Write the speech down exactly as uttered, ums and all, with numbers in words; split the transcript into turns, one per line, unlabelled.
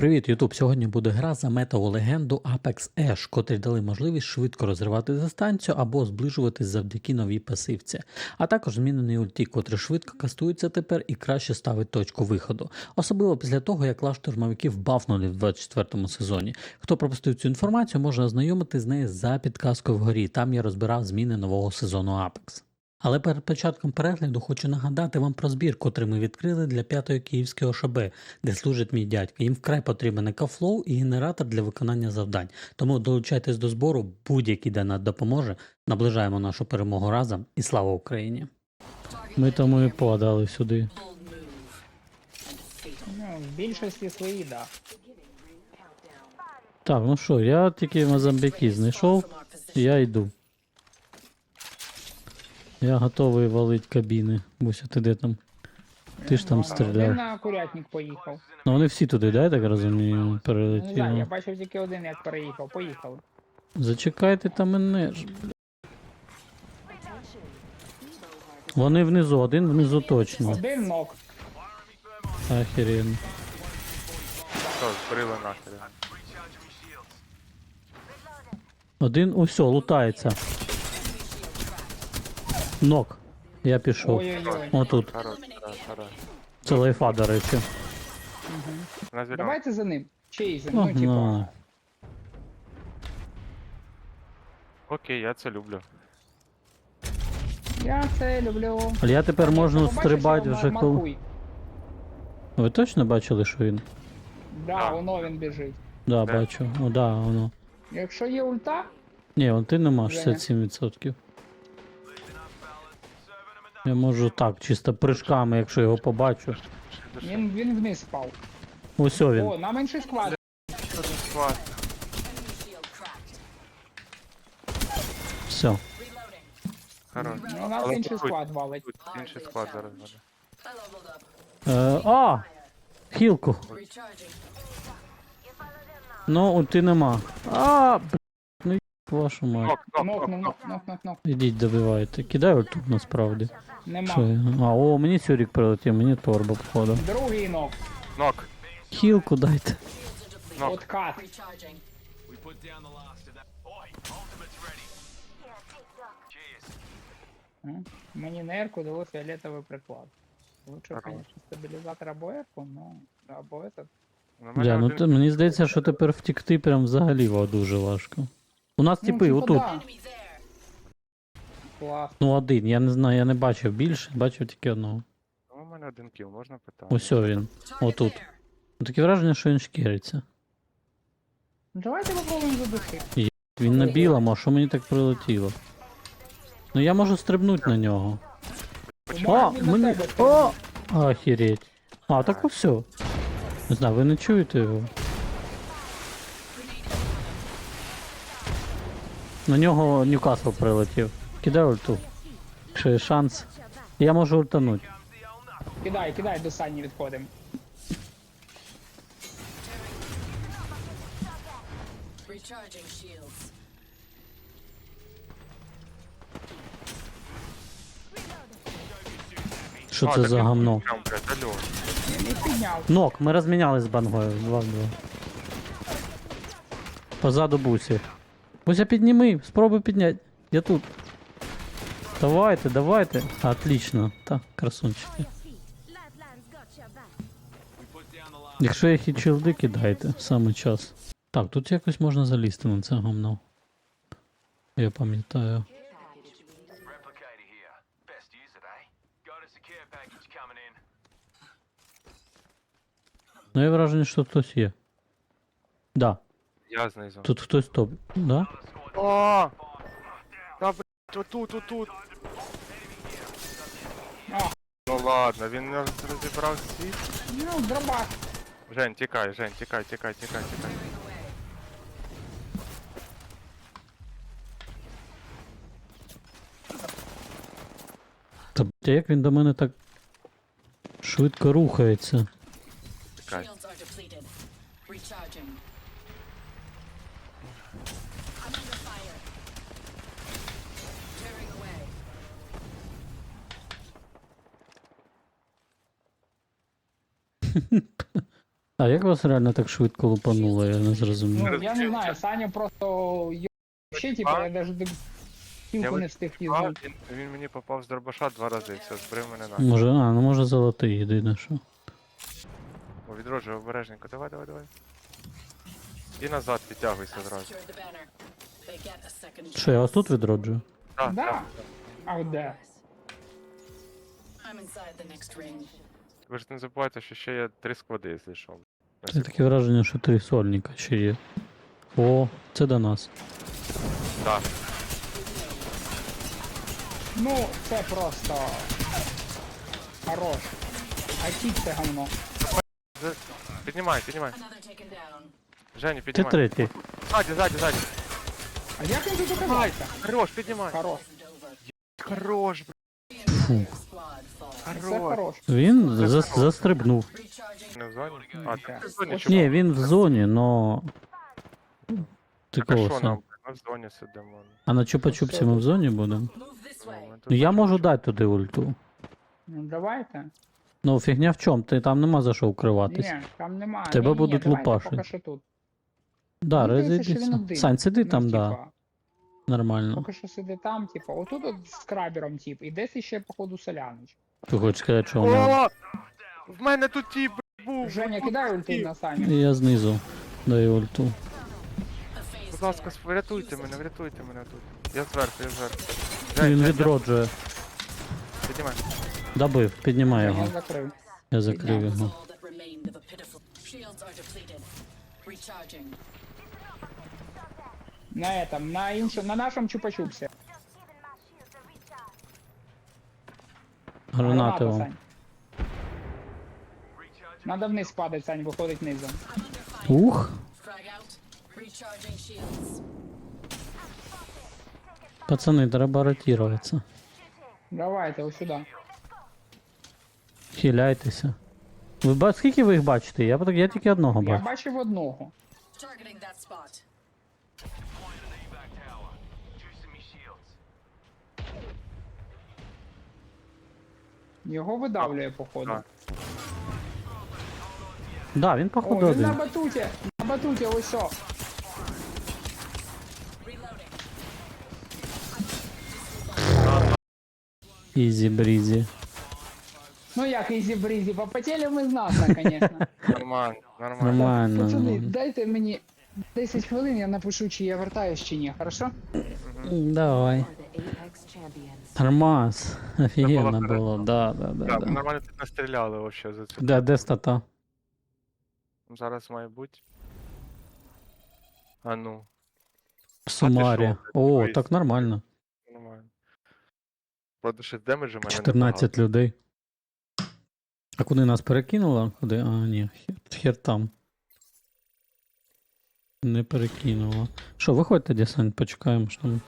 Привіт, Ютуб! Сьогодні буде гра за метову легенду Apex Ash, котрі дали можливість швидко розривати дистанцію або зближуватись завдяки новій пасивці, а також змінений ульті, котрий швидко кастується тепер і краще ставить точку виходу. Особливо після того, як лав штурмовиків бафнули в двадцять четвертому сезоні. Хто пропустив цю інформацію, може ознайомитись з нею за підказкою вгорі, там я розбирав зміни нового сезону Apex. Але перед початком перегляду хочу нагадати вам про збір, котрий ми відкрили для п'ятої київської О Ш Б, де служить мій дядько. Їм вкрай потрібен екофлоу і генератор для виконання завдань. Тому долучайтесь до збору, будь-який донат допоможе. Наближаємо нашу перемогу разом і слава Україні! Ми тому і подали сюди.
Ну, в більшості свої, да.
Так, ну що, я тільки Мозамбіки знайшов, я йду. Я готовий валить кабіни. Буся, ти де там? Ти ж там
Він
стріляв.
на курятник поїхав.
Ну вони всі туди, да, я так розумію,
Не знаю, я
перелетіли.
бачив тільки один, як переїхав. Поїхали.
Зачекайте там мене ж, бля. Вони внизу, один внизу точно.
Один ног.
Охеренно.
Що, збрили нахер.
Один, усьо, лутається. Нок. Я пішов.
Ой-ой-ой.
Отут.
Хорош, хорош, хорош.
Це лайфа, до речі.
На зеленому.
Давайте за ним. Чий за ним? Ну,
Погнали.
типа.
Окей, я це люблю.
Я це люблю.
Але я тепер можу
Побачиш,
стрибати
його
вже коли.
маркуй.
Ви точно бачили, що він?
Да,
Так.
воно він біжить.
Да,
Де?
бачу. О, да, воно.
Якщо є ульта,
Ні, вон ти нема, шістдесят сім відсотків. Я можу так, чисто прыжками, якщо його побачу.
він, він вниз впав.
Ось він.
О, на менший склад.
Один склад.
Все.
Хорош.
У нас
Але
інший
тут-
склад валить.
Тут інший склад зараз буде.
Е, а! Хілку. Ну, ульти нема. А, б**, ну вашу мать.
Нок, нок,
Нок,
нок,
нок,
нок.
нок, нок, нок.
Ідіть добивайте. Кидай ульту насправді. Що
Нема.
я? А, о, мені Сюрік прилетів, мені торба походу.
Другий нок.
Нок.
Хілку дайте.
Нок.
Откат. М? Мені на ерку дало фіолетовий приклад. Лучше,
Здорово.
конечно, стабілізатор або ерку, но або этот.
На мене
Бля, ну
один-
то, мені здається, що тепер втікти прям взагалі ва- дуже важко. У нас типи,
типа,
отут.
да. Клас.
Ну один, я не знаю, я не бачив більше, бачив тільки одного.
Ну, у мене один кіл, можна питати?
Ось він. Отут. Ну, таке враження, що він шкіриться.
Ну, давайте попробуємо задушити.
Він на білому, а що мені так прилетіло? Ну я можу стрибнути на нього. О,
Він на
мені...
тебе
О! Охереть. А, так ось все. Не знаю, ви не чуєте його? На нього Ньюкасл прилетів. Кидай ульту. Якщо є шанс. Я можу ультануть.
Кидай, кидай, до Сані відходимо.
Recharging shields.
Що
А,
це
так
за
він
гамно?
прям, блядь, алло.
Я не підняв.
Нок, ми розмінялись з бангою. два в два. Позаду бусі. Буся, підніми, спробуй підняти. Я тут. Давайте, давайте. Отлично. Та, красунчики. Якщо є хітчилди, кидайте. Саме час. Так, тут якось можна залізти на це гамно. Я пам'ятаю.
Replicator here. Best use it, eh? Got a secure package coming in.
Ну, я враження, що хтось є. Да,
Я знизу.
тут хтось топ. Да?
О! Та, блядь, отут, отут.
А.
Ну ладно, він не роз- розібрав світ.
Ну, дробаш.
Жень, тікай, Жень, тікай, тікай, тікай, тікай.
Та блядь, а як він до мене так швидко рухається?
Тікай.
Shields are depleted. Recharging. I'm under fire. Tearing away.
А як вас реально так швидко лупануло, я не зрозумів.
Ну, я не знаю, Саня просто й- ще, типа, я навіть
Я
кілку не встиг
А,
їздити.
він, він мені попав з дробаша два рази, все, збрив мене на.
Може, а, ну може золотий єдине, що.
О, відроджуй, обережненько, давай, давай, давай. І назад підтягуйся зразу.
Capture the banner. They get a second
Що, я вас
chance.
тут відроджую?
Так,
Да.
так.
А от де?
I'm inside the next ring.
Ви ж не забувайте, що ще є три склади, якщо що.
Це таке враження, що три сольника ще є. О, це до нас.
Так.
Ну, це просто... Хорош. А кіт це говно.
З- Піднімай, піднімай.
Another taken down.
Женя,
Ти
піднімай.
третій.
Ззаді, ззаді, ззаді.
А як він тут оказався?
Хорош, піднімай.
Хорош.
Isn't over.
Хорош, бр...
Squad fall.
Це
хорош.
хорош.
Він зас- застрибнув.
Recharging.
Не в зоні? А, ти
Так.
в зоні
Ось
чого?
Ні, він в зоні, но. Ти
Так, а
кого
що
сам?
нам? Ми в зоні сидимо.
А на чупа-чупсі ми в зоні будемо?
Move this way.
Ну, ми тут
Ну я
бачимо,
можу
що-
дати туди ульту.
Ну давайте.
Ну фігня в чому? Ти там нема за що укриватись.
Ні, там немає.
Тебе
Ні-ні-ні,
будуть
давайте
лупашить.
Поки що тут.
Да,
Мені здається, що він
розійдіться.
один.
Сань, сиди
Ну,
там, да.
типа,
Нормально.
Поки що сиди там, типа, отут от з крабером, тип, і десь іще, походу, солянич.
Ти хочеш сказати, що вона.
О! В мене тут тіп був.
Женя,
тут
кидай
тіп.
ульту на Саню.
І я знизу даю ульту.
A phase
Будь ласка,
tear.
врятуйте мене, врятуйте мене тут. Я зверху, я зверху.
Він
Жень,
відроджує.
піднімай.
Добив, піднімай
Женя
його.
закрив.
Я закрив
That was
його.
all that remained of a pitiful. Shields are depleted. Recharging.
На этом, на іншому, на нашому чупа-чупсі.
Гранати вам.
Сань. Надо вниз падати, Сань, виходить низом.
Ух!
Frag out. Recharging shields.
Пацани, треба ротироваться.
Давайте, ось сюди.
Хиляйтеся. Ви ба- скільки ви їх бачите? Я, так- я тільки одного
Я
бачу.
бачив одного.
Targeting that spot.
Deploying an evac tower. Juicing me shields.
Його видавлює, походу.
Так.
Да, він
О,
походу
він на
один.
батуті. На батуті, ось о.
Reloading.
Ізі брізі.
Ну як ізі брізі, попотіли ми знатно, звісно.
Нормально, нормально.
Нормально.
Пацани,
нормально.
дайте мені десять хвилин, я напишу, чи я вертаюсь, чи ні, хорошо?
М, Давай.
are the Apex champions.
Нормас. Офігенно
Це було
було. Да, да, да,
Так, ми
да.
нормально тут настріляли вообще за цю.
Де, де стата?
Зараз має бути. А ну,
В Сумарі.
що,
О,
дивись.
так нормально.
нормально. Правда, ще демеджу мене
чотирнадцять людей. А куди нас перекинуло? Куди? А, ні, хер, хер там. Не перекинуло. Що, виходьте, десант, почекаємо, що там.